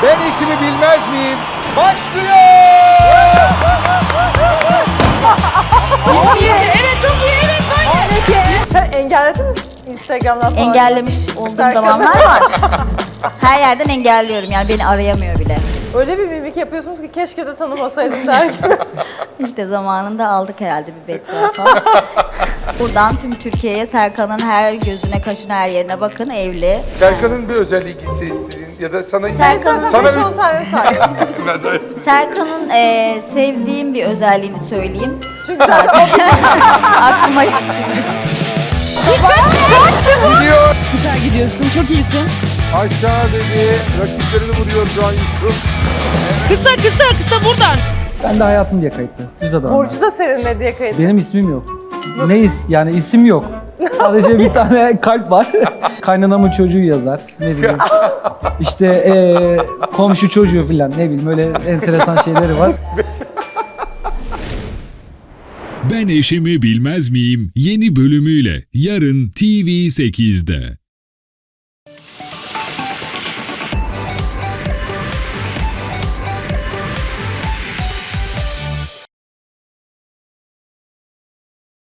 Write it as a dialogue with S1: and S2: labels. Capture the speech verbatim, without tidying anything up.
S1: Ben işimi bilmez miyim? Başlıyor!
S2: Çok iyi. Evet çok iyi. Evet böyle.
S3: Sen engelledin mi Instagram'dan falan?
S4: Engellemiş olduğum
S3: Serkan.
S4: zamanlar var. Her yerden engelliyorum yani beni arayamıyor bile.
S3: Öyle bir mimik yapıyorsunuz ki keşke de tanımasaydım der gibi.
S4: İşte zamanında aldık herhalde bir beddua falan. Buradan tüm Türkiye'ye Serkan'ın her gözüne, kaşına, her yerine bakın, evli.
S1: Serkan'ın bir özelliği gitse istediğin ya da sana...
S4: Serkan'ın-
S1: Sana
S3: beş
S1: bir...
S3: on tane say.
S4: Serkan'ın eee, sevdiğim bir özelliğini söyleyeyim.
S3: Çünkü zaten
S4: Aklıma ilk şimdi.
S1: Gidiyor.
S2: Süper gidiyorsun. Çok iyisin.
S1: Aşağı dedi. Rakiplerini vuruyor şu an Yusuf.
S2: Kısa kısa kısa buradan.
S5: Ben de hayatım diye kayıtlı. Düz adam.
S3: Burcu da seninle diye kayıt.
S5: Benim ismim yok. Ne is? Yani isim yok. Sadece bir tane kalp var. Kaynanamın çocuğu yazar. Ne bileyim. İşte eee, komşu çocuğu falan ne bileyim öyle enteresan şeyleri var.
S6: Ben eşimi bilmez miyim? Yeni bölümüyle yarın T V sekizde.